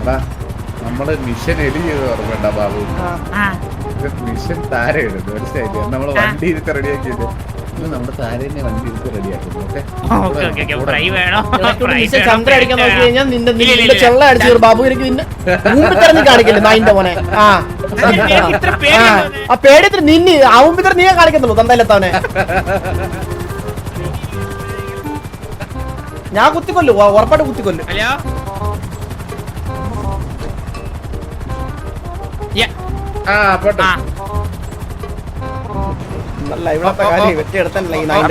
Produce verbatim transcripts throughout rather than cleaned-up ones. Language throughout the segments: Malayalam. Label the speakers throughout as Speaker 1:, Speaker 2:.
Speaker 1: നമ്മള് മിഷൻ എലി ചെയ്ത് ഓർമ്മണ്ട ബാബു. മിഷൻ താര ഇടുന്നു മനസ്സിലായില്ലേ? നമ്മള് വണ്ടി ഇരുത്ത് റെഡിയാക്കിയത് നമ്മുടെ താരനെ വണ്ടി ഇരുത്ത് റെഡിയാക്കുന്നു.
Speaker 2: ചന്ദ്ര അടിക്കാൻ നോക്കി കഴിഞ്ഞാൽ നിന്റെ നിന്റെ ചെള്ള അടിച്ചു ബാബു. എനിക്ക് നിന്നെ മുമ്പിൽ കാണിക്കില്ല നായിന്റെ മോനെ. ആ ആ പേടിയത്തിന് നിന്നി ആവുമ്പോ നീ കാണിക്കത്തുള്ളൂ തന്തയിലെത്താവനെ. ഞാൻ കുത്തിക്കൊല്ലു, ഉറപ്പായിട്ട് കുത്തിക്കൊല്ലു. നല്ല ഇവിടത്തെ കാര്യം വെട്ടിയെടുത്തല്ലേ ഈ നായിന്റെ.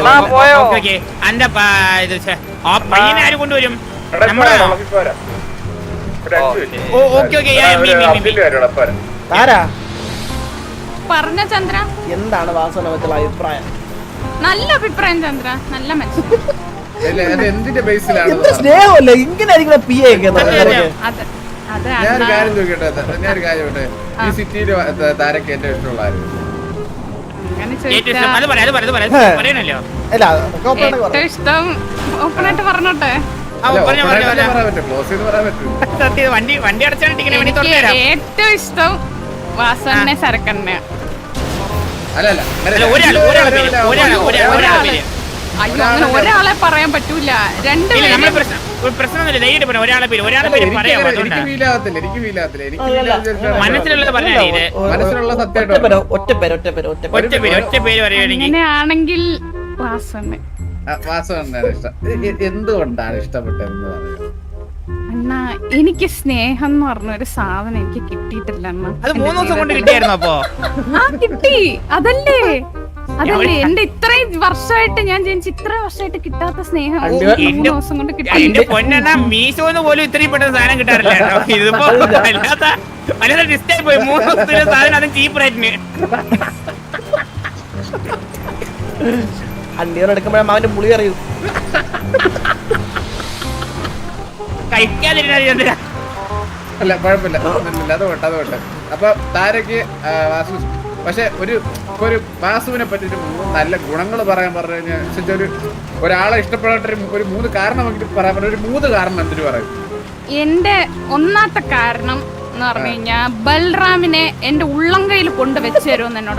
Speaker 3: കൊണ്ടുവരും
Speaker 4: പറഞ്ഞ ചന്ദ്ര
Speaker 2: എന്താണ് വാസന വെച്ചുള്ള അഭിപ്രായം?
Speaker 4: നല്ല അഭിപ്രായം ചന്ദ്ര, നല്ല മനുഷ്യൻ.
Speaker 2: സ്നേഹമല്ലേ ഇങ്ങനെ ആയിരിക്കണം പി എ ഒക്കെ.
Speaker 1: ഞാനൊരു കാര്യം ചോദിക്കട്ടെ, ഞാനൊരു കാര്യം ചോട്ടെ, ഈ സിറ്റിയില് താരക്ക് ഏറ്റവും ഇഷ്ടമുള്ള
Speaker 4: ഇഷ്ടം ഓപ്പണായിട്ട് പറഞ്ഞോട്ടെ. ഏറ്റവും ഇഷ്ടം വാസനെ സരക്കണ്ണ. അയ്യോ അങ്ങനെ ഒരാളെ പറയാൻ പറ്റൂല, രണ്ട് അങ്ങനെയാണെങ്കിൽ വാസന.
Speaker 1: എന്തുകൊണ്ടാണ് ഇഷ്ടപ്പെട്ടതെന്ന് പറയുന്നത്?
Speaker 4: അണ്ണാ എനിക്ക് സ്നേഹം എന്ന് പറഞ്ഞ ഒരു സാധനം എനിക്ക് കിട്ടിയിട്ടില്ല അണ്ണാ.
Speaker 3: അത് മൂന്ന് ദിവസം കൊണ്ട് കിട്ടിയായിരുന്നോ? അപ്പൊ
Speaker 4: ആ കിട്ടി, അതല്ലേ അതല്ലേ എന്റെ ഇത്രയും വർഷമായിട്ട് ഞാൻ ജനിച്ച ഇത്രയും വർഷമായിട്ട് കിട്ടാത്ത സ്നേഹം മൂന്ന് ദിവസം കൊണ്ട് കിട്ടി.
Speaker 3: എന്റെ പൊന്നെണ്ണ മീശോന്ന് പോലും ഇത്രയും പെട്ടെന്ന് സാധനം കിട്ടാറില്ല. ഇതിപ്പോ അല്ലാത്ത വല്ലാതെ ഡിസ്റ്റൈ പോയി. മൂന്ന് ദിവസത്തിലെ സാധനം അതും ചീപ്പ് റേറ്റിന്.
Speaker 2: അണ്ടിയോട് എടുക്കുമ്പോഴേ അവന്റെ പുളി അറിയൂ.
Speaker 3: കഴിക്കാതിരുന്ന
Speaker 1: അല്ല കുഴപ്പമില്ല, അത് പോട്ടെ അത് പോട്ടെ. അപ്പൊ താരക്ക് വാസു, പക്ഷെ ഒരു ഒരു വാസുവിനെ പറ്റി ഒരു മൂന്ന് നല്ല ഗുണങ്ങൾ പറയാൻ പറഞ്ഞു കഴിഞ്ഞാൽ ഒരു ഒരാളെ ഇഷ്ടപ്പെടാത്ത ഒരു മൂന്ന് കാരണം പറയാൻ പറഞ്ഞ ഒരു മൂന്ന് കാരണം എന്തിനു പറയും?
Speaker 4: എന്റെ ഒന്നാമത്തെ കാരണം എന്ന് പറഞ്ഞു കഴിഞ്ഞാ ബൽറാമിനെ എന്റെ ഉള്ളം കയ്യിൽ കൊണ്ട് വെച്ച് തരുമെന്ന് എന്നോട്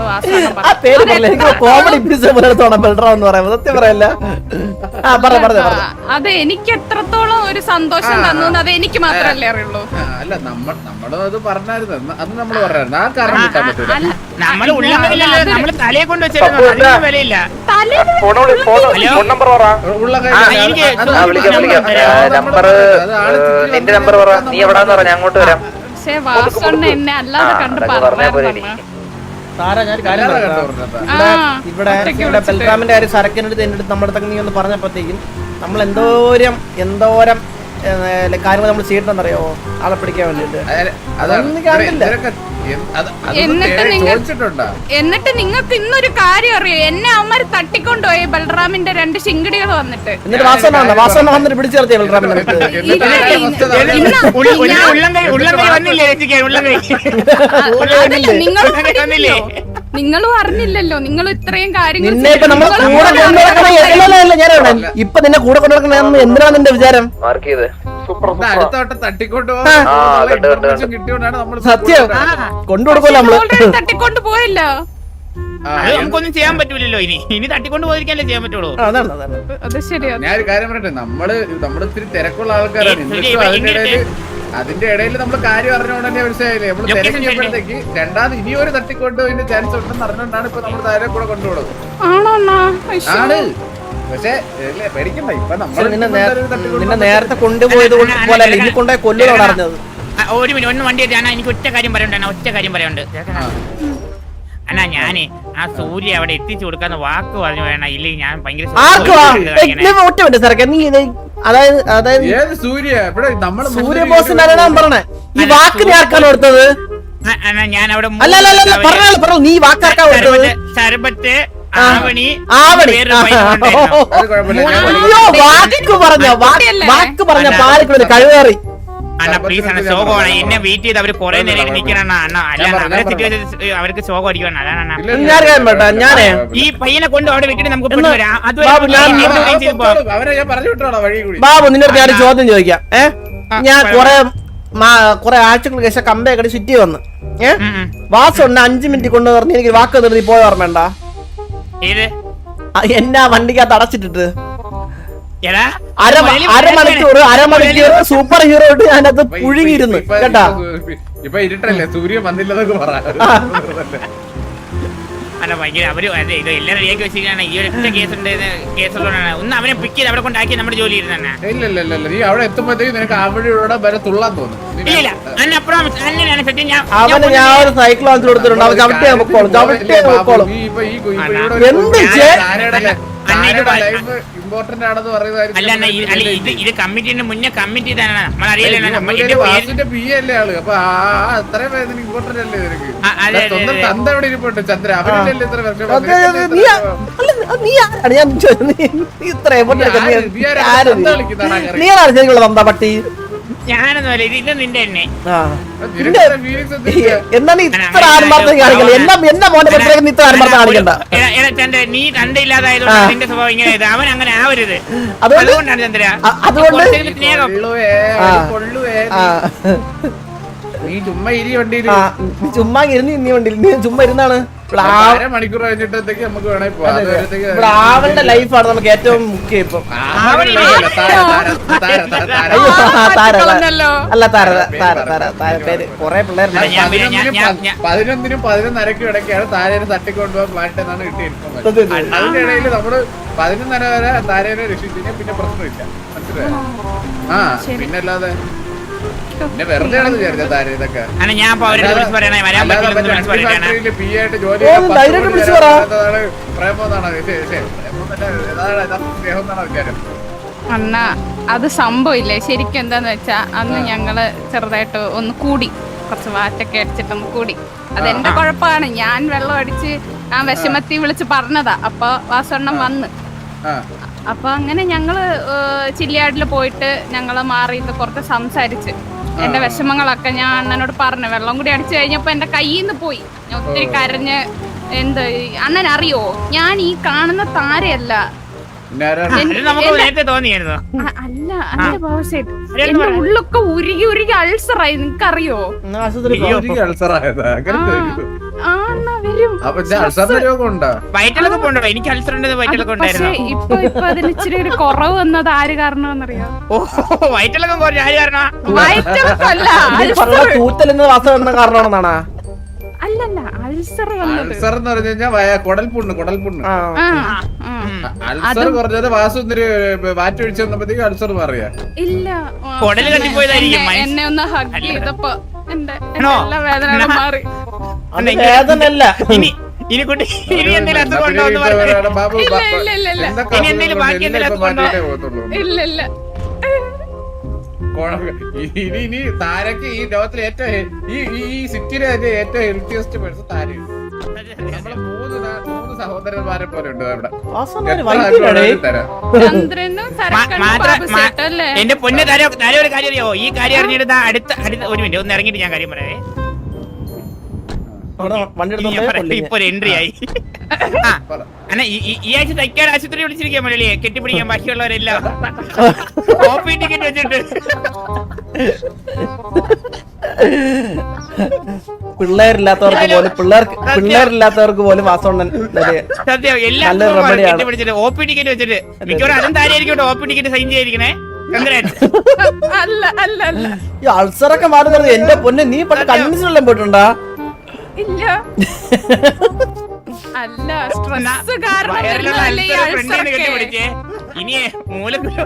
Speaker 4: അത് എനിക്ക് എത്രത്തോളം ഒരു സന്തോഷം തന്നു അത് എനിക്ക് മാത്രല്ലേ അറിയുള്ളൂ.
Speaker 1: അല്ല നമ്മൾ നമ്മളത് പറഞ്ഞായിരുന്നു, അത് നമ്മൾ പറഞ്ഞായിരുന്നു. ആ കാരണം കിട്ടാൻ പറ്റൂല.
Speaker 3: നമ്മള് ഉള്ളം കയ്യിലല്ല, നമ്മള് തലയെ കൊണ്ട് വെച്ചിരുന്നു. അതിന് വിലയില്ല.
Speaker 4: പക്ഷെ വാസണ്ണ എന്നെ അല്ലാതെ കണ്ട് പറഞ്ഞു.
Speaker 2: ഇവിടെ ഇവിടെ ബൽറാമിന്റെ കാര്യം സരക്കിന്റെ അടുത്ത് എന്റെ അടുത്ത് നമ്മുടെ അടുത്ത് നീ ഒന്ന് പറഞ്ഞപ്പോഴത്തേക്കും നമ്മൾ എന്തോരം എന്തോരം കാര്യങ്ങൾ നമ്മൾ ചെയ്തിട്ടെന്നറിയോ ആളെ പിടിക്കാൻ വേണ്ടിട്ട്. അതൊന്നും കാണില്ല.
Speaker 4: എന്നിട്ട് നിങ്ങൾക്ക് ഇന്നൊരു കാര്യം അറിയോ? എന്നെ അവന്മാര് തട്ടിക്കൊണ്ടുപോയി ബൽറാമിന്റെ രണ്ട് ശിങ്കടികൾ വന്നിട്ട്.
Speaker 2: എന്നിട്ട് വാസന വാസന വന്നിട്ട് പിടിച്ചു നിർത്തിയ ബൽറാമിന്റെ
Speaker 4: നിങ്ങളും അറിഞ്ഞില്ലല്ലോ. നിങ്ങൾ ഇത്രയും കാര്യങ്ങൾ
Speaker 2: ഇപ്പൊ നിന്നെ കൂടെ കൊണ്ടുനടക്കണ എന്തിനാ നിന്റെ വിചാരം? സത്യം കൊണ്ടുകൊടുക്കല്ലോ നമ്മള്.
Speaker 4: തട്ടിക്കൊണ്ട് പോയല്ലോ,
Speaker 3: നമുക്കൊന്നും ചെയ്യാൻ പറ്റൂലല്ലോ. ഇനി ഇനി തട്ടിക്കൊണ്ട് പോയിരിക്കാനല്ലേ ചെയ്യാൻ പറ്റുള്ളൂ.
Speaker 2: അതാണ് അതാണ്
Speaker 4: അത് ശരിയാ.
Speaker 1: ഞാനൊരു കാര്യം പറയട്ടെ, നമ്മള് നമ്മുടെ ഇത്തിരി തിരക്കുള്ള ആൾക്കാരാണ്. അതിന്റെ ഇടയിൽ അതിന്റെ ഇടയിൽ നമ്മള് കാര്യം അറിഞ്ഞോണ്ടന്നെ മനസ്സിലായില്ലേ നമ്മള് തിരക്കിയപ്പോഴത്തേക്ക് രണ്ടാമത് ഇനി ഒരു തട്ടിക്കൊണ്ട് അതിന്റെ ചാൻസ് ഉണ്ടെന്ന് അറിഞ്ഞോണ്ടാണ് ഇപ്പൊ നമ്മൾ താരെ കൂടെ കൊണ്ടുപോകുന്നത്. ആണ് പക്ഷെ പേടിക്കണ്ട. ഇപ്പൊ നമ്മൾ
Speaker 2: നിന്നെ നേരത്തെ കൊണ്ടുപോയത് പോലെ ഇനി കൊണ്ടുപോയി കൊല്ലുകളാണ് അറിഞ്ഞത്.
Speaker 3: ഒരു മിനിറ്റ് ഒന്ന് വണ്ടി ഞാൻ എനിക്ക് ഒറ്റ കാര്യം പറയണ്ട ഒറ്റ കാര്യം പറയണ്ട് അണ്ണാ. ഞാന് ആ സൂര്യ അവിടെ എത്തിച്ചു കൊടുക്കാന്ന് വാക്ക് പറഞ്ഞു വേണ ഇല്ലെങ്കിൽ ഞാൻ ഭയങ്കര
Speaker 2: അതായത് അതായത് സൂര്യ ബോസിന്റെ പറഞ്ഞേ ഈ വാക്ക് നീ ആർക്കാണ് കൊടുത്തത്?
Speaker 3: ഞാൻ അവിടെ
Speaker 2: പറഞ്ഞോ നീ വാക്കാർക്കാ കൊടുത്തത്?
Speaker 3: ശരബത്ത് ആവണി
Speaker 2: ആവണി വാക്ക് പറഞ്ഞ വാക്ക് പറഞ്ഞ പാലിക്കൂടെ കഴിവേറി.
Speaker 3: അണ്ണ പ്ലീസ് അണ്ണ ശോകമാണ്. എന്നെ വെയിറ്റ് ചെയ്ത് അവര് കൊറേ നേരം നിൽക്കണം അണ്ണ. അല്ലാണ്ട് അവരെ സിറ്റുവേഷൻ അവർക്ക് ശോകം അടിക്കണം. അതാണ്
Speaker 2: ഞാനേ
Speaker 3: ഈ പയ്യനെ കൊണ്ട് അവിടെ വിട്ടിട്ട് നമുക്ക്
Speaker 2: ബാബു നിന്നോട് ഞാൻ ചോദ്യം ചോദിക്കാം. ഏഹ് ഞാൻ കൊറേ കുറെ ആഴ്ചകൾക്ക് ശേഷം കമ്പയൊക്കെ സിറ്റി വന്ന് ഏ
Speaker 3: ഉം, ഉം.
Speaker 2: വാസം ഉണ്ട് അഞ്ചു മിനിറ്റ് കൊണ്ട് പറഞ്ഞ് എനിക്ക് വാക്ക് നിർത്തി പോയ ഓർമ്മണ്ട
Speaker 3: ഏത്
Speaker 2: എന്നാ വണ്ടിക്കകത്ത് അടച്ചിട്ടിട്ട്
Speaker 3: എടാ
Speaker 2: അര അരമണിക്കൂർ അരമണിക്കൂർ സൂപ്പർ ഹീറോ ഇട്ട് ഞാനത് പുഴുങ്ങിയിരുന്നു
Speaker 1: ഇപ്പൊ-
Speaker 2: കേട്ടാ
Speaker 1: ഇപ്പൊ- ഇപ്പൊ ഇരുട്ടല്ലേ സൂര്യൻ വന്നില്ലെന്നൊക്കെ പറ
Speaker 3: അല്ല ഭയങ്കര അവര് അതെ ഇത് എല്ലാം റെഡിയാക്കി വെച്ചിരിക്കുകയാണ് ഈ ഒരു ഒറ്റ കേസ് ഉണ്ട് കേസുള്ളതാണ് ഒന്ന് അവനെ പിക്ക് ചെയ്ത് അവിടെ കൊണ്ടാക്കി നമ്മുടെ ജോലി ഇരുന്നെ
Speaker 1: ഇല്ല ഇല്ല ഇല്ല നീ അവിടെ എത്തുമ്പോഴത്തേക്ക് നിനക്ക് അവിടെ ഇവിടെ വരെ തുള്ളാൻ തോന്നും നീ
Speaker 3: ഇല്ല അന്നപ്പുറം അന്നയാണ് സത്യം ഞാൻ
Speaker 2: അവന് ഞാൻ ഒരു സൈക്കിൾ വാങ്ങിച്ചു കൊടുത്തിട്ടുണ്ട് അവൻ ചവിട്ടിയാ പൊക്കോളും ചവിട്ടിയാ പൊക്കോളും
Speaker 1: നീ ഇപ്പൊ ഈ ഇപ്പൊ ഇവിടെ
Speaker 2: എന്ത്
Speaker 1: ഒരു-
Speaker 2: ചെ-
Speaker 1: താരയുടെ
Speaker 3: അല്ല, അല്ല, ഇത്
Speaker 1: താരയുടെ
Speaker 3: ഭയ-
Speaker 1: life important ആണെന്ന് പറയുന്നതായിരിക്കും
Speaker 3: അല്ല അണ്ണാ, ഇത് അല്ല ഇത് ഇത് കമ്മിറ്റിന്റെ മുന്നേ കമ്മിറ്റി തന്നെ നമ്മൾ അറിയില്ല നമ്മൾ
Speaker 1: ഇതിന്റെ
Speaker 3: ഇതിന്റെ പേര്
Speaker 1: വാസുവിന്റെ പി അല്ലേ ആള് അപ്പൊ ആ ആ അത്രയും പേര് ഇമ്പോർട്ടന്റ് അല്ലേ നിനക്ക്
Speaker 3: ആ, അതെ, അതെ,
Speaker 1: സ്വന്തം
Speaker 3: അതെ.
Speaker 1: തന്ത എവിടെ ഇരിപ്പുണ്ട് ചന്ദ്ര അവരില്ലല്ലേ ഇത്ര വർഷം
Speaker 2: അതെ, അതെ, നീ ആ- അല്ല, നീ ആരാണ് ഞാൻ ചോ- നീ- നീ ഇത്ര effort എടുക്കുന്ന നീ-
Speaker 1: നീ ആരാ?
Speaker 2: ആര് നീ?
Speaker 1: തന്ത കളിക്കുന്നതാണോ അങ്ങനെ?
Speaker 2: നീയാണ് ശരിക്കുള്ള തന്ത പട്ടി
Speaker 3: ഞാനൊന്നും അല്ല ഇത് ഇത് നിന്റെ തന്നെ
Speaker 2: ആ
Speaker 1: നിനക്ക് ഇത്ര feelings ഒന്നും ഇല്ല.
Speaker 2: എന്നാ നീ ഇത്ര ആത്മാർത്ഥം കാണിക്കല്ല എന്നാ എന്നാ മോന്റെ പത്രത്തിൽ നീ ഇത്ര ആത്മാർത്ഥം കാണിക്കണ്ട
Speaker 3: എടാ, എടാ, ചന്ദ്ര നീ തണ്ടയില്ലാതായതുകൊണ്ട്
Speaker 2: ആ.
Speaker 3: നിന്റെ സ്വഭാവം ഇങ്ങനെ ആയത്. അവൻ അങ്ങനെ ആവരുത്
Speaker 2: അതുകൊണ്ട്
Speaker 3: അതുകൊണ്ടാണ് ചന്ദ്ര
Speaker 2: അ- അതുകൊണ്ട്
Speaker 3: കുറച്ചെങ്കിലും സ്നേഹം
Speaker 1: കൊള്ളുവേ,
Speaker 2: ആ.
Speaker 1: അത് കൊള്ളുവേ.
Speaker 2: ആ
Speaker 1: നീ ചുമ്മാ ഇരി വണ്ടിയില്
Speaker 2: ആ, നീ ചുമ്മാ ഇരുന്ന് നീ വണ്ടിയിൽ നീ ചുമ്മാ ഇരുന്നാണ് ഇവിടെ ആ-
Speaker 1: അര മണിക്കൂർ കഴിഞ്ഞിട്ടത്തേക്ക് നമുക്ക് വേണേ പോവാം.
Speaker 2: അതെ, അതെ.
Speaker 1: അതുവരത്തേക്ക്
Speaker 2: ഇവിടെ ആവളുടെ ലൈഫാണ് നമുക്ക് ഏറ്റവും മുഖ്യം ഇപ്പം
Speaker 1: ആവണില്ല, താര, താര, താര, താര, താര.
Speaker 2: അയ്യോ ആ, താര താര.
Speaker 4: കളഞ്ഞല്ലോ.
Speaker 2: അല്ല താര താര താര താര പേര് കൊറേ പിള്ളേരുണ്ട്
Speaker 3: ഞാൻ- ഞാൻ-
Speaker 1: പതിനൊന്നിനും
Speaker 3: ഞാൻ-
Speaker 1: പ-
Speaker 3: ഞാൻ-
Speaker 1: പതിനൊന്നിനും പതിനൊന്നരക്കും ഇടയ്ക്കാണ് താരേനെ തട്ടിക്കൊണ്ടുപോകാൻ മാറ്റെന്നാണ് കിട്ടിയിരിക്കുന്നത്.
Speaker 2: അതെ, അതെ.
Speaker 1: അതിന്റെ ഇടയിൽ നമ്മള് പതിനൊന്നര വരെ താരേനെ രക്ഷിച്ചു പിന്നെ പ്രശ്നമില്ല മനസ്സിലായോ ആ പിന്നെ അല്ലാതെ പിന്നെ വെറുതെ ആണെന്ന് വിചാരിച്ച താര ഇതൊക്കെ
Speaker 3: അല്ല ഞാൻ ഇപ്പൊ അവരോട് വിളിച്ച് പറയണേ വരാൻ
Speaker 1: അല്ലാതെ
Speaker 3: പറ്റില്ലെന്ന് വിളിച്ച്
Speaker 1: മറ്റേ
Speaker 3: പറയണേ
Speaker 1: ഫാക്ടറിയില് പി ആയിട്ട് ജോലി
Speaker 2: ഓ,
Speaker 1: ചെയ്യാൻ പത്ത്
Speaker 2: ധൈര്യമായിട്ട്
Speaker 1: മണി
Speaker 2: വിളിച്ച്
Speaker 1: വരെ
Speaker 2: പറ.
Speaker 1: വരാത്തതാണ് പ്രേമം എന്നാണ് ഇത്. ശ്ശെ, പ്രേമം എന്നല്ല, ഇതാണ് യഥാർത്ഥ സ്നേഹം എന്നാണ് വിചാരം.
Speaker 4: അണ്ണ അത് സംഭവില്ലേ ശരിക്കും എന്താന്ന് വെച്ചാ അന്ന് ഞങ്ങള് ചെറുതായിട്ട് ഒന്ന് കൂടി കുറച്ച് വാറ്റൊക്കെ അടിച്ചിട്ടൊന്ന് കൂടി അതെന്റെ കുഴപ്പമാണ് ഞാൻ വെള്ളം അടിച്ച് ആ വിഷമത്തി വിളിച്ച് പറഞ്ഞതാ അപ്പൊ വാസവണ്ണം വന്ന്
Speaker 1: ആ
Speaker 4: അപ്പൊ അങ്ങനെ ഞങ്ങള് ചില്ലിയാടില് പോയിട്ട് ഞങ്ങള് മാറിയിട്ട് കുറച്ച് സംസാരിച്ച് എന്റെ വിഷമങ്ങളൊക്കെ ഞാൻ അണ്ണനോട് പറഞ്ഞു വെള്ളം കൂടി അടിച്ചു കഴിഞ്ഞപ്പോ എന്റെ കയ്യിൽ നിന്ന് പോയി ഞാൻ ഒത്തിരി കരഞ്ഞ് എന്ത് അണ്ണൻ അറിയോ ഞാൻ ഈ കാണുന്ന താരയല്ല
Speaker 1: പിന്നെ ആരാണ്?
Speaker 3: അത് നമുക്ക് നേരത്തെ തോന്നിയായിരുന്നു
Speaker 4: അ- അല്ല അതിന്റെ ഭാവസേട്ട് എന്റെ ഉള്ളൊക്കെ ഉരുകി ഉരുകി അൾസറായി നിനക്കറിയോ
Speaker 2: എന്നാ ആശുപത്രി പോ.
Speaker 1: എനിക്ക് അൾസർ ആയതാ അങ്ങനെ തോന്നി.
Speaker 4: ആ അണ്ണാ വരും
Speaker 1: അപ്പൊ ഇത് അൾസറിന്റെ രോഗം ഉണ്ടോ
Speaker 3: വയറ്റിലൊക്കെ പോണ്ടോ എനിക്ക് അൾസർ ഉണ്ട് വയറ്റിലൊക്കെ
Speaker 4: പക്ഷെ
Speaker 3: ഉണ്ടായിരുന്നു
Speaker 4: ഇപ്പൊ ഇപ്പൊ അതിന് ഇച്ചിരി ഒരു കുറവ് വന്നത് ആര് കാരണമെന്നറിയോ
Speaker 3: ഓ വയറ്റിലൊക്കെ കുറച്ച് ആര് കാരണം
Speaker 4: വയറ്റല്ല
Speaker 2: നീ പറഞ്ഞ തൂത്തലെന്ന് വാസം എന്ന കാരണമാണെന്നാണാ
Speaker 4: അല്ലല്ല അൾസർ വന്നത്
Speaker 1: അൾസർ എന്ന് പറഞ്ഞു കഴിഞ്ഞാൽ കുടൽപുണ്ണ് കുടൽപുണ്ണ്
Speaker 2: ആ
Speaker 4: ആ ആ.
Speaker 1: അൾസർ കുറഞ്ഞത് വാസുന്ദര് വാറ്റൊഴിച്ച് വന്നപ്പോഴത്തേക്ക് അൾസർ മാറിയ
Speaker 4: ഇല്ല ആ,
Speaker 3: കുടല് കത്തിപ്പോയതായിരിക്കും,
Speaker 4: എന്നെ-
Speaker 3: മനസ്സ്.
Speaker 4: എന്നെ ഒന്ന് ഹഗ് ചെയ്തപ്പോ എന്റെ എന്റെ
Speaker 3: ആണോ?
Speaker 4: എല്ലാ വേദനകളും മാറി
Speaker 2: അത് വേദനല്ല
Speaker 3: ഇനി ഇനി കുട്ടി ഇനി എന്തെങ്കിലും അസുഖം ഉണ്ടോ എന്ന് പറഞ്ഞു
Speaker 1: ബാബു
Speaker 4: ഇല്ല, ഇല്ല, ഇല്ല, ഇല്ല.
Speaker 3: ഇനി എന്തെങ്കിലും ബാക്കി എന്തെങ്കിലും അസുഖം ഉണ്ടോ?
Speaker 1: മാറ്റിയിട്ടേ പോകത്തുള്ളൂ
Speaker 4: ഇല്ല ഇല്ല
Speaker 1: കുഴപ്പം- ഇനി ഇനി താരക്ക് ഈ ലോകത്തിലെ ഏറ്റവും ഹെ- ഈ ഈ ഈ സിറ്റിയിലെ തന്നെ ഏറ്റവും ഹെൽത്തിയസ്റ്റ് പേഴ്സൺ താരയാണ് നമ്മള് മൂന്ന് നാ- മൂന്ന് സഹോദരന്മാരെ പോലെ ഉണ്ട് അവിടെ
Speaker 2: വാസം
Speaker 1: എത്ര
Speaker 2: വൈകിട്ടേ
Speaker 1: ആൾക്കാരും തരാം
Speaker 4: ചന്ദ്രനും സരക്കനും
Speaker 3: മാത്ര
Speaker 4: ബാബുസേട്ടും അല്ലേ
Speaker 3: എന്റെ പൊന്നെ താരം താരം ഒരു കാര്യം അറിയോ ഈ കാര്യം അറിഞ്ഞിട്ട് ദാ അടുത്ത അടുത്ത ഒരു മിനിറ്റ് ഒന്ന് ഇറങ്ങിയിട്ട് ഞാൻ കാര്യം പറയാവേ
Speaker 2: വണ്ടി
Speaker 3: ഇനി ഞാൻ
Speaker 2: എടുത്തോണ്ടേ
Speaker 3: പറയാം. ഇപ്പൊ ഒരു എൻട്രി ആയി ആ
Speaker 1: പറ.
Speaker 3: അണ്ണാ ഈ ഈ- ഈ ആഴ്ച തൈക്കാട് ആശുപത്രി വിളിച്ചിരിക്കാൻ മലയാളിയെ കെട്ടിപ്പിടിക്കാൻ ബാക്കിയുള്ളവരെല്ലാം ഓപ്പി ടിക്കറ്റ് വെച്ചിട്ട്
Speaker 2: പിള്ളേരില്ലാത്തവർക്ക് പോലും പിള്ളേർക്ക് പിള്ളേരില്ലാത്തവർക്ക് പോലും വാസോണ്ണൻ
Speaker 3: സത്യം എല്ലാ
Speaker 2: നല്ലൊരു remedy ആണ്.
Speaker 3: കെട്ടിപ്പിടിച്ചിട്ട് ഓപ്പി ടിക്കറ്റ് വെച്ചിട്ട് മിക്കവാറും അതും താരായിരിക്കും ഓപ്പി ടിക്കറ്റ് സൈൻ ചെയ്തിരിക്കണേ Congrats.
Speaker 4: അല്ല അല്ല അല്ല
Speaker 2: ഈ അൾസറൊക്കെ മാറുന്നത് എന്റെ പൊന്നെ നീ പണ്ട് കൺവിൻസിനെല്ലാം പോയിട്ടുണ്ടാ
Speaker 4: ഇല്ല അല്ല സ്ട്രെസ് കാരണം
Speaker 3: വയറിലുള്ള
Speaker 4: വരുന്നതല്ലേ ഈ
Speaker 3: അൾസർ ഫ്രണ്ടിൽ
Speaker 4: അൾസറൊക്കെ.
Speaker 3: കെട്ടിപ്പിടിച്ചേ ഇനി മൂലക്കുരു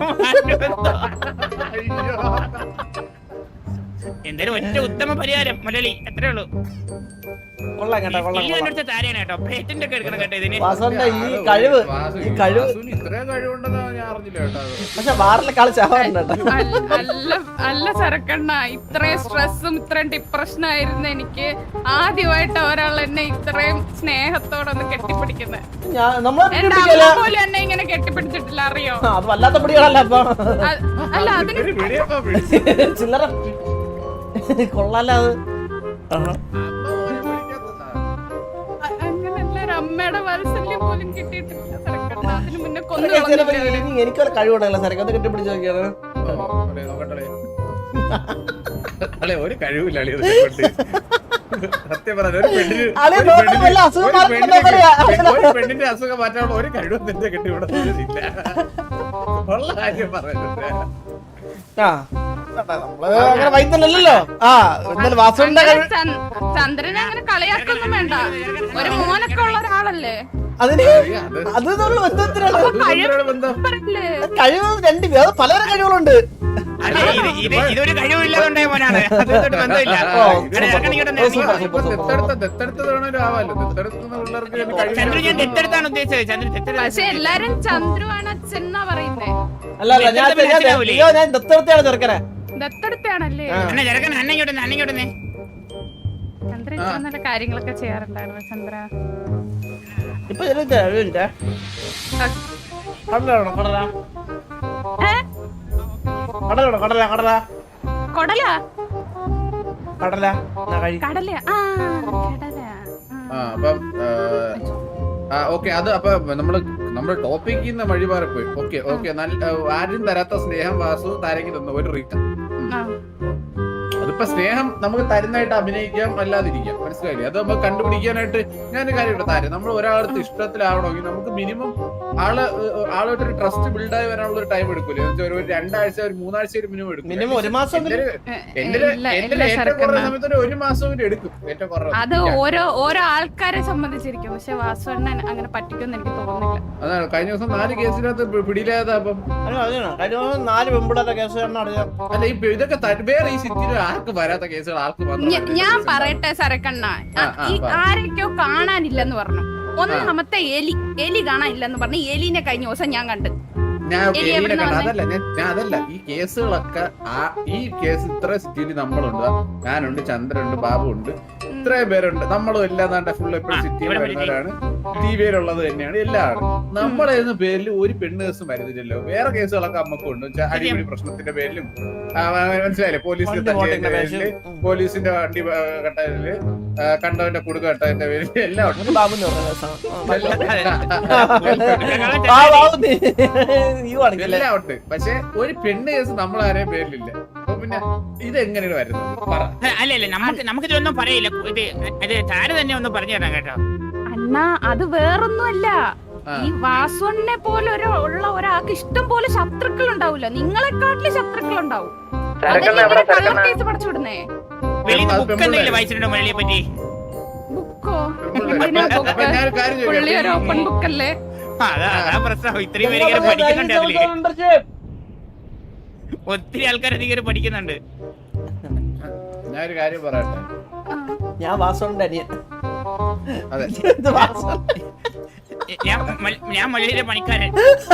Speaker 3: എന്തായാലും ഒറ്റ ഉത്തമ പരിഹാരം മലയാളി എത്രേ ഉള്ളൂ
Speaker 2: കൊള്ളാം കേട്ടോ കൊള്ളാം
Speaker 3: ഇല്ല
Speaker 2: കൊള്ളാം
Speaker 3: എന്റെ താരയാണ് കേട്ടോ പേറ്റന്റ് ഒക്കെ എടുക്കണം കേട്ടോ ഇതിന്
Speaker 2: വാസോന്റെ ഈ കഴിവ് ഈ കഴിവ്
Speaker 1: വാസുവിന് ഇത്രയും കഴിവുണ്ടെന്ന് ഞാൻ അറിഞ്ഞില്ല കേട്ടോ അത്.
Speaker 2: പക്ഷെ വാറിലെ കളി ചാവാറുണ്ട് കേട്ടോ
Speaker 4: അല്ല അല്ല അല്ല സരക്കണ്ണ ഇത്രയും സ്ട്രെസ്സും ഇത്രയും ഡിപ്രഷനും ആയിരുന്നു എനിക്ക് ആദ്യമായിട്ട് ഒരാൾ എന്നെ ഇത്രയും സ്നേഹത്തോടെ ഒന്ന് കെട്ടിപ്പിടിക്കുന്നത്
Speaker 2: ഞാൻ നമ്മളെ
Speaker 4: എന്റെ
Speaker 2: പിടിപ്പിക്കല
Speaker 4: അമ്മ പോലും എന്നെ ഇങ്ങനെ കെട്ടിപ്പിടിച്ചിട്ടില്ല അറിയോ
Speaker 2: അത് വല്ലാത്ത പിടികളല്ല അപ്പൊ
Speaker 4: അ- അല്ല അതിന്
Speaker 1: ഒരു പിടിയപ്പോ പിടിച്ചു.
Speaker 2: ചില്ലറ കൊള്ളാല അത് ആഹാ.
Speaker 1: അമ്മ പോലും പിടിക്കാത്തതാ.
Speaker 4: അ- അങ്ങനല്ല ഒരു അമ്മയുടെ വാത്സല്യം പോലും കിട്ടിയിട്ടില്ല സരക്കണ്ണ അതിന് മുന്നേ കൊന്നു
Speaker 2: ഇതൊക്കെ ചിലപ്പോ
Speaker 4: കളഞ്ഞില്ലേ അവര്?
Speaker 2: ഇനി എനിക്കൊരു കഴിവുണ്ടല്ലോ സാറേ അത് കെട്ടിപ്പിടിച്ച് നോക്കിയാണ്
Speaker 1: ഓ, നോക്കട്ടെ, നോക്കട്ടെ. അല്ലെ ഒരു കഴിവില്ല അളി സത്യം പറഞ്ഞ ഒരു പെണ്ണിന്
Speaker 2: അളിയ
Speaker 1: ഒരു
Speaker 2: നോക്കാൻ
Speaker 1: പെണ്ണിന്
Speaker 2: വല്ല അസുഖം
Speaker 1: ഒരു
Speaker 2: മാറ്റുന്നുണ്ടോ
Speaker 1: പെണ്ണിന്
Speaker 2: എന്നറിയാം.
Speaker 1: ഒരു പെണ്ണിന്റെ അസുഖം മാറ്റാനുള്ള ഒരു കഴിവും നിന്റെ കെട്ടി ഇവിടെ ഇല്ല ഉള്ള കാര്യം പറയുന്നത്
Speaker 2: ആ നമ്മള് അങ്ങനെ വൈദ്യല്ലോ. ആ എന്തായാലും വാസുവിന്റെ കഴിവ്
Speaker 4: ചന്ദ്- ചന്ദ്രനെ അങ്ങനെ കളിയാക്കൊന്നും വേണ്ട. ഒരു മോനൊക്കെ ഉള്ള ഒരാളല്ലേ.
Speaker 2: അതിന് അത് നമ്മൾ ബന്ധത്തിനാണ്
Speaker 1: അതുകൊണ്ടാണ് ബന്ധം
Speaker 4: പറയില്ലേ?
Speaker 2: കഴിവ് രണ്ട് അത് പലതരം കഴിവുകളുണ്ട്.
Speaker 3: അല്ല, ഇത് ഇത് ഇതൊരു കഴിവില്ലാതുണ്ടായ മോനാണ്. അതുമായിട്ട് ബന്ധമില്ല.
Speaker 2: ഓ,
Speaker 3: ഇവിടെ ഇറങ്ങണി ഇങ്ങോട്ട് ഒന്ന് ഇറങ്ങി വാ.
Speaker 1: ഇപ്പൊ ദത്തെടുത്ത ദത്തെടുത്തത് വേണമല്ലോ ആവാലോ ദത്തെടുക്കുന്ന പിള്ളേർക്ക് ഇതിന്
Speaker 3: ചന്ദ്രു ഞാൻ
Speaker 1: കഴിവില്ല.
Speaker 3: ദത്തെടുത്താണ് ഉദ്ദേശിച്ചത്. ചന്ദ്രു ദത്തെടുത്ത
Speaker 4: പക്ഷെ എല്ലാരും ചന്ദ്രുവാണ് അച്ഛൻ എന്നാ പറയുന്നേ.
Speaker 2: അല്ല അല്ല ഞാൻ ഞാൻ- അയ്യോ, ഞാൻ ദത്തെടുത്താണ് ചെറുക്കനെ.
Speaker 4: ദത്തെടുത്താണല്ലേ.
Speaker 3: അണ്ണ ചെറുക്കൻ അന്ന ഇങ്ങോട്ട് അന്ന ഇങ്ങോട്ട്
Speaker 4: ചന്ദ്ര ഇത്ര നല്ല കാര്യങ്ങളൊക്കെ ചെയ്യാറുണ്ടായിരുന്നു ചന്ദ്ര.
Speaker 2: ഇപ്പൊ ഒരു കഴിവില്ല. കടലാണോ കടല
Speaker 4: ഏ?
Speaker 2: കടലാണോ കടല കടല
Speaker 4: കൊടല
Speaker 2: കടല എന്നാ കഴി
Speaker 4: കടല ആ കടല
Speaker 1: ആ അപ്പം ആ ഓക്കെ അത് അപ്പൊ നമ്മള് നമ്മുടെ ടോപ്പിക്കിൽ നിന്ന് വഴി മാറിപ്പോയി. ഓക്കെ ഓക്കെ നല്ല ആരും തരാത്ത സ്നേഹം വാസു താരക്ക് തന്ന ഒരു റീസൺ.
Speaker 4: ആ.
Speaker 1: അതിപ്പോ സ്നേഹം നമുക്ക് തരുന്നതായിട്ട് അഭിനയിക്കാം അല്ലാതിരിക്കാം. മനസ്സിലായില്ലേ? അത് നമുക്ക് കണ്ടുപിടിക്കാനായിട്ട് ഞാനൊരു കാര്യമുണ്ട് താരം നമ്മൾ ഒരാളടുത്ത് ഇഷ്ടത്തിലാവണമെങ്കിൽ നമുക്ക് മിനിമം ആള് ആളായിട്ട് ഒരു ട്രസ്റ്റ് ബിൽഡായി വരാനുള്ള ഒരു ടൈം എടുക്കൂലേ? ഒരു രണ്ടാഴ്ച ഒരു മൂന്നാഴ്ച ഒരു മിനിമം എടുക്കും.
Speaker 2: മിനിമം ഒരു മാസം
Speaker 1: എന്റെ
Speaker 4: എ-
Speaker 1: എന്റെ
Speaker 4: ഇല്ല,
Speaker 1: എന്റെ
Speaker 4: ഇല്ല
Speaker 1: ഏറ്റവും കുറഞ്ഞ
Speaker 4: ശരക്കണ്ണ.
Speaker 1: സമയത്ത് ഒരു ഒരു മാസം കൂടി എടുക്കും ഏറ്റവും കുറവ്.
Speaker 4: അത് ഓരോ ഓരോ ആൾക്കാരെ സംബന്ധിച്ചിരിക്കും. പക്ഷെ വാസുവണ്ണൻ അങ്ങനെ പറ്റിക്കുമെന്ന് എനിക്ക് തോന്നുന്നില്ല.
Speaker 1: അതാണ് കഴിഞ്ഞ ദിവസം നാല് കേസിനകത്ത് പി- പിടിയിലായതാ. അപ്പം
Speaker 2: അതിനോ അതിനോ കഴിഞ്ഞ ദിവസം നാല് പെമ്പിടാത്ത കേസ് കാരണം അറിയാം.
Speaker 1: അല്ല ഈ ഇതൊക്കെ ത- വേറെ ഈ സിറ്റിയിൽ ആർക്ക് വരാത്ത കേസുകൾ ആർക്ക് മാത്രം
Speaker 4: ഞ-
Speaker 1: വരുന്ന
Speaker 4: ഞാൻ
Speaker 1: കേസുകളാണ്.
Speaker 4: പറയട്ടെ സരക്കണ്ണ,
Speaker 1: ആ, ആ,
Speaker 4: ഈ
Speaker 1: പറ.
Speaker 4: ആരൊക്കെയോ കാണാനില്ലെന്ന് പറഞ്ഞു. ഒന്നാമത്തെ എലി എലി കാണാനില്ലെന്ന് പറഞ്ഞു. എലിനെ കഴിഞ്ഞ ദിവസം ഞാൻ കണ്ട്.
Speaker 1: ഞാൻ
Speaker 4: എലി
Speaker 1: എലീനെ
Speaker 4: എവിടുന്നാ
Speaker 1: കണ്ട-
Speaker 4: വന്നേ?
Speaker 1: അതല്ല ഞാൻ ഞാൻ അതല്ല ഈ കേസുകളൊക്കെ ആ ഈ കേസ് ഇത്ര സിറ്റിയിൽ നമ്മളുണ്ട്. ഞാനുണ്ട്, ചന്ദ്രനുണ്ട്, ബാബു ഉണ്ട്, ഇത്രയും പേരുണ്ട്. നമ്മളും എല്ലാം താണ്ട ഫുൾ എപ്പോഴും
Speaker 3: ആ,
Speaker 1: സിറ്റിയിൽ
Speaker 3: ഇവിടെ
Speaker 1: വരുന്നവരാണ്. ടി വിയിലുള്ളത് തന്നെയാണ് എല്ലാവരും. നമ്മളെന്ന പേരിൽ ഒരു പെണ്ണ് കേസും വരുന്നില്ലല്ലോ. വേറെ കേസുകളൊക്കെ നമുക്കുണ്ട്. വെച്ചാ അടിപിടി പ്രശ്നത്തിന്റെ പേരിലും ആ, മനസ്സിലായില്ലേ? പോലീസിന്റെ
Speaker 2: വണ്ടി
Speaker 1: തല്ലിയതിന്റെ
Speaker 2: ഓടിക്കുന്ന
Speaker 1: പേരില്,
Speaker 2: കേസ്.
Speaker 1: പോലീസിന്റെ വണ്ടി ആ, കട്ടതില്, ആ, കണ്ടവന്റെ കുടുക്ക് കട്ടതിന്റെ പേരിൽ എല്ലാം ഉണ്ട്.
Speaker 2: ഒരു ബാബു എന്ന് പറഞ്ഞ കേസാണ്.
Speaker 1: എല്ലാം
Speaker 2: ആ ബാബു നീ നീ കാണിക്കല്ലേ?
Speaker 1: എല്ലാം ഉണ്ട്. പക്ഷെ ഒരു പെണ്ണ് കേസ് നമ്മൾ ആരെയും പേരിലില്ല. അപ്പൊ പിന്നെ ഇതെങ്ങനെയാണ് വരുന്നത്? പറ.
Speaker 3: അല്ല അല്ല നമുക്ക് നമുക്ക് ഇതൊന്നും പറയില്ല. ഇത് അത് താര തന്നെ ഒന്ന് പറഞ്ഞു തരാം കേട്ടോ.
Speaker 4: അണ്ണാ അത് വേറൊന്നുമല്ല.
Speaker 1: ആ.
Speaker 4: ഈ വാസുവണ്ണനെ പോലെ ഒരു ഉള്ള ഒരാൾക്ക് ഇഷ്ടം പോലെ ശത്രുക്കൾ ഉണ്ടാവില്ല. നിങ്ങളെക്കാട്ടില് ശത്രുക്കൾ ഉണ്ടാവും. കേസ് പഠിച്ചു വിടുന്നേ.
Speaker 3: വെളിയിൽ
Speaker 1: അത്
Speaker 3: ബുക്ക് എന്തെങ്കിലും വായിച്ചിട്ടുണ്ടോ മുരളിയെ പറ്റി?
Speaker 4: ബുക്കോ?
Speaker 1: പെൺപിള്ളേര്.
Speaker 4: എന്തിനാ
Speaker 1: അപ്പൊ
Speaker 4: ബുക്ക്?
Speaker 1: ഞാനൊരു കാര്യം ചോദിക്കാം.
Speaker 4: പുള്ളി ഒരു ഓപ്പൺ ബുക്കല്ലേ.
Speaker 3: ആ, അതാ അതാ പ്രശ്നം. ഇത്രയും പേര് ഇങ്ങനെ പഠിക്കുന്നുണ്ട് അതില്.
Speaker 2: മെമ്പർഷിപ്പ്.
Speaker 3: ഒത്തിരി ആൾക്കാർ അധികം പഠിക്കുന്നുണ്ട്.
Speaker 1: ഞാനൊരു കാര്യം പറയട്ടെ.
Speaker 4: ആ.
Speaker 2: ഞാൻ വാസുവിന്റെ അനിയൻ.
Speaker 1: അതെ
Speaker 2: ഇത് വാസു.
Speaker 3: ഞാൻ മൽ- ഞാൻ മലയിലെ പണിക്കാരൻ.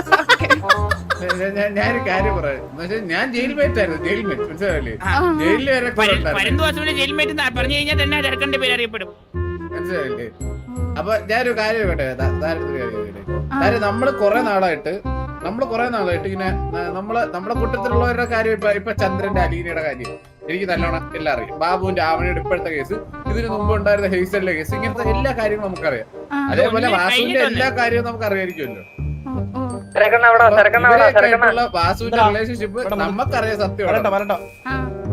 Speaker 1: ഞാൻ- ഞാൻ- ഞാനൊരു കാര്യം പറയാം. എന്നുവെച്ചാൽ ഞാൻ ജയിൽ മേറ്റ് ആയിരുന്നു. ജയിൽ മേറ്റ് മനസ്സിലായില്ലേ?
Speaker 3: ആ.
Speaker 1: ജയിലിൽ വരെ കൂടെ ഉണ്ടായിരുന്നു.
Speaker 3: പരന്തുവാസുവിന്റെ ജയിൽമേറ്റ് പറഞ്ഞു കഴിഞ്ഞാൽ തന്നെ ചെറുക്കന്റെ പേര് അറിയപ്പെടും.
Speaker 1: മനസ്സിലായില്ലേ? അപ്പൊ ഞാനൊരു കാര്യം കേട്ടെ. താരത്തിന്റെ കാര്യം കേട്ടെ. കാര്യം നമ്മള് കുറെ നാളായിട്ട് നമ്മള് കുറെ നാളായിട്ട് ഇങ്ങനെ ന- നമ്മള് നമ്മുടെ കൂട്ടത്തിലുള്ളവരുടെ കാര്യം ഇപ്പൊ ഇപ്പൊ ചന്ദ്രന്റെ അലീനയുടെ കാര്യം എനിക്ക് നല്ലോണം എല്ലാം അറിയാം. ബാബുവിന്റെ ആവണിയുടെ ഇപ്പോഴത്തെ കേസ്, ഇതിന് മുമ്പ് ഉണ്ടായിരുന്ന ഹെയ്സലിന്റെ കേസ്, ഇങ്ങനത്തെ എല്ലാ കാര്യവും നമുക്കറിയാം.
Speaker 4: ആ.
Speaker 1: അതേപോലെ
Speaker 3: ഒന്നിനെ
Speaker 1: വാസുവിന്റെ
Speaker 3: കഴിഞ്ഞിട്ടുണ്ട്.
Speaker 1: എല്ലാ കാര്യവും നമുക്ക് അറിയായിരിക്കുമല്ലോ.
Speaker 4: ഓ, ഓ.
Speaker 1: ഇവരെയൊക്കെയായിട്ടുള്ള വാസുവിന്റെ
Speaker 2: ഇതാ.
Speaker 1: റിലേഷൻഷിപ്പ്
Speaker 2: ഇവിടെ
Speaker 1: നമുക്കറിയാം. സത്യം
Speaker 2: വരട്ടോ വരട്ടോ.
Speaker 4: ആ.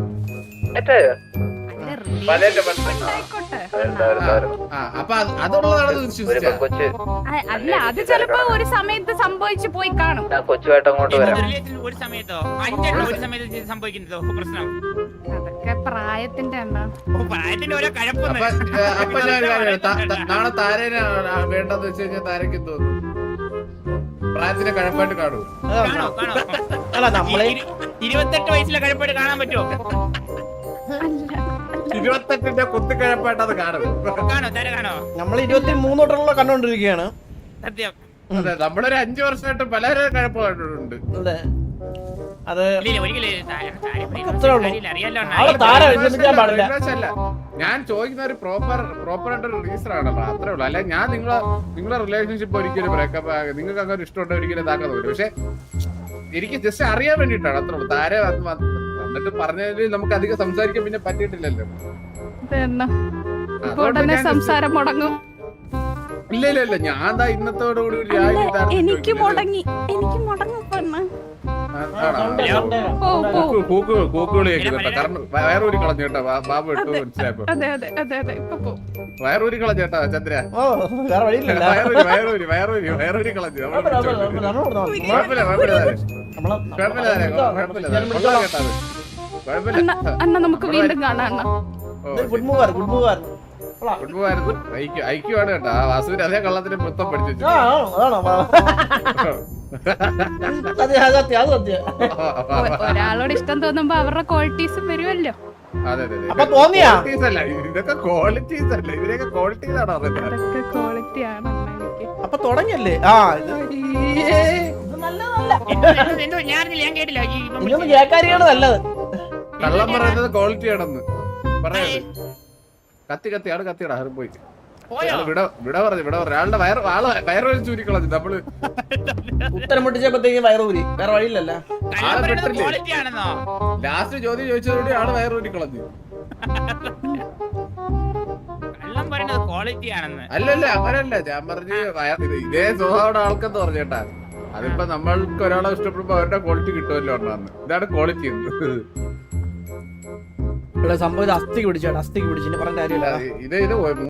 Speaker 1: പലരുടെ
Speaker 4: അല്ല,
Speaker 1: പ്രശ്നം.
Speaker 4: ആയിക്കോട്ടെ.
Speaker 1: ആ അപ്പൊ അത് അതുള്ളതാണെന്ന് വിശ്വസിച്ച
Speaker 4: ആ, അല്ല അത് ചിലപ്പോ ഒരു സമയത്ത് സംഭവിച്ചു പോയി കാണും.
Speaker 3: റിലേഷനിൽ ഒരു സമയത്തോ അഞ്ചെണ്ണം ഒരു സമയത്ത് ഇത് സംഭവിക്കുന്നതോ പ്രശ്നം.
Speaker 4: അതൊക്കെ പ്രായത്തിന്റെ എണ്ണ.
Speaker 3: ഓ, പ്രായത്തിന്റെ ഓരോ കഴപ്പൊന്നും.
Speaker 1: അപ്പൊ ഏ, അപ്പൊ ഞാൻ ഒരു കാര്യം പറയാം. ത- ത- നാളെ താരേനെ വേണ്ടെന്ന് വെച്ച് കഴിഞ്ഞാൽ താരക്ക് തോന്നും പ്രായത്തിന്റെ കഴപ്പായിട്ട് കാണൂ.
Speaker 3: കാണോ കാണോ
Speaker 2: അല്ല നമ്മളെ
Speaker 3: ഇരു- ഇരുപത്തെട്ട് വയസ്സിലെ കഴപ്പായിട്ട് കാണാൻ പറ്റുമോ?
Speaker 4: അല്ല
Speaker 1: ഇരുപത്തെട്ടിന്റെ കുത്തിക്കഴപ്പായിട്ട് അത് കാണും.
Speaker 3: കാണോ താര കാണോ?
Speaker 2: നമ്മൾ ഇരുപത്തി മൂന്ന് തൊട്ടുള്ള കണ്ടോണ്ടിരിക്കുകയാണ്.
Speaker 3: സത്യം.
Speaker 1: അതെ നമ്മളൊരു അഞ്ചു വർഷമായിട്ട് പലരും കഴപ്പമായിട്ടുണ്ട്.
Speaker 2: അതെ അത്
Speaker 3: ഇല്ല ഒരിക്കലും താര താര
Speaker 2: അത്രേ ഉള്ളൂ.
Speaker 3: അറിയാലോ
Speaker 2: ആളെ താര വിഷമിക്കാൻ പാടില്ല.
Speaker 1: അല്ല ഞാൻ ചോദിക്കുന്ന ഒരു പ്രോപ്പർ പ്രോപ്പർ ആയിട്ടൊരു റീസൺ ആണല്ലോ. അത്രേ ഉള്ളൂ. അല്ലെ ഞാൻ നിങ്ങളെ നിങ്ങളെ റിലേഷൻഷിപ്പ് ഒരിക്കലും ബ്രേക്കപ്പ് നിങ്ങൾക്ക് അങ്ങനെ ഇഷ്ടമുണ്ടോ ഒരിക്കലും ഇതാക്കാൻ തോന്നില്ല. പക്ഷെ എനിക്ക് ജസ്റ്റ് അറിയാൻ വേണ്ടിയിട്ടാണ്. അത്രേ ഉള്ളൂ. താര വന്നിട്ട് പറഞ്ഞതിൽ നമുക്ക് അധികം സംസാരിക്കാൻ പിന്നെ പറ്റിയിട്ടില്ലല്ലോ.
Speaker 4: ഇതെന്നാ ഇപ്പൊ
Speaker 1: അതുകൊണ്ട്
Speaker 4: ഉടനെ
Speaker 1: ഞാൻ
Speaker 4: സംസാരം മുടങ്ങും.
Speaker 1: ഇല്ല ഇല്ല ഇല്ല ഞാൻ ദാ ഇന്നത്തോടുകൂടി ഒരു
Speaker 4: അല്ല,
Speaker 1: രാജ്യം ഇതാണെന്ന്
Speaker 4: എനിക്ക്
Speaker 1: ചോദിക്കുന്നത്.
Speaker 4: മുടങ്ങി എനിക്ക് മുടങ്ങും പെണ്ണ്.
Speaker 1: ആ
Speaker 4: ഓ ഓ
Speaker 1: കൂക്കുകളി കേൾക്കുന്നു കേട്ടോ കാരണം വയറൂരി കളഞ്ഞു കേട്ടോ ബാബു ഇട്ടു മനസ്സിലായപ്പോ
Speaker 4: അതെ അതെ അതെ അതെ ഇപ്പൊ പോ
Speaker 1: വയറൂരി കളഞ്ഞു കേട്ടോ ചന്ദ്ര
Speaker 2: ഓ വേറെ വഴിയില്ലല്ലോ
Speaker 1: വയറൂരി വയറൂരി വയറൂരി വയറൂരി കളഞ്ഞു നമ്മള് കുഴപ്പമില്ല കുഴപ്പമില്ല കുഴപ്പമില്ല കുഴപ്പമില്ല കൊള്ളാം കേട്ടോ അത് കുഴപ്പമില്ല
Speaker 4: അണ്ണ അണ്ണ നമുക്ക് വീണ്ടും കാണാം അണ്ണ
Speaker 2: ഗുഡ് മൂവർ ഗുഡ് മൂവർ
Speaker 1: കുടുംബമായിരുന്നു ഐക്യം ഐക്യമാണ് കേട്ടോ ആ വാസുവിന് അതേ കള്ളത്തിന് മൊത്തം പഠിച്ചു വെച്ചു
Speaker 2: ആ അതാണോ അതെ അത് സത്യം അത് സത്യം
Speaker 4: ഒരാളോട് ഇഷ്ടം തോന്നുമ്പോ അവരുടെ ക്വാളിറ്റീസും വരുമല്ലോ.
Speaker 1: അതെ അതെ
Speaker 2: അപ്പൊ തോന്നിയാ
Speaker 1: ക്വാളിറ്റീസ് അല്ല ഇതൊക്കെ ക്വാളിറ്റീസ് അല്ല ഇതിനൊക്കെ ക്വാളിറ്റീസ് ആണോ അറിയുന്നത്
Speaker 4: അതൊക്കെ ക്വാളിറ്റി ആണ് എനിക്ക്.
Speaker 2: അപ്പൊ തുടങ്ങിയല്ലേ ആ ഇത്
Speaker 3: എന്തോ ഞാനില്ല ഞാൻ കേട്ടില്ല ഈ ഇവൻ
Speaker 2: ഇതൊന്നും കേക്കാരിയാണ് നല്ലത്.
Speaker 1: കള്ളം പറയുന്നത് ക്വാളിറ്റി ആണെന്ന് പറയത് കത്തി കത്തി ആള് കത്തിയടാ അത് പോയി
Speaker 3: പോയോ?
Speaker 1: ആള് വിട വിട പറഞ്ഞു വിട പറഞ്ഞു ആളുടെ വയറ് ആള് വയറ് വലിച്ചു ചൂരിക്കളഞ്ഞു നമ്മള്
Speaker 2: ഉത്തരം മുട്ടിച്ചപ്പോഴത്തേക്കും വയറൂരി വേറെ വഴിയില്ലല്ല.
Speaker 3: കള്ളം പറയുന്നത് quality ആണെന്നോ?
Speaker 1: ലാസ്റ്റ് ചോദ്യം ചോദിച്ചതോടെ ആള് വയറൂരി കളഞ്ഞു
Speaker 3: കള്ളം പറയുന്നത് ക്വാളിറ്റി ആണെന്ന്.
Speaker 1: അല്ലല്ല അങ്ങനല്ല ഞാൻ പറഞ്ഞു വയർ ഇത് ഇതേ സ്വഭാവം ആൾക്കെന്ന് പറഞ്ഞേട്ടാ അതിപ്പോ നമ്മൾക്ക് ഒരാളെ ഇഷ്ടപ്പെടുമ്പോ അവരുടെ ക്വാളിറ്റി കിട്ടുമല്ലോ ഒന്നാന്ന് ഇതാണ് ക്വാളിറ്റി
Speaker 2: ഇവിടെ സംഭവം ഇത് അസ്ഥിക്ക് പിടിച്ചാണ് അസ്ഥിക്ക് പിടിച്ചു പറഞ്ഞ കാര്യമില്ല.
Speaker 1: ഇത് ഇത്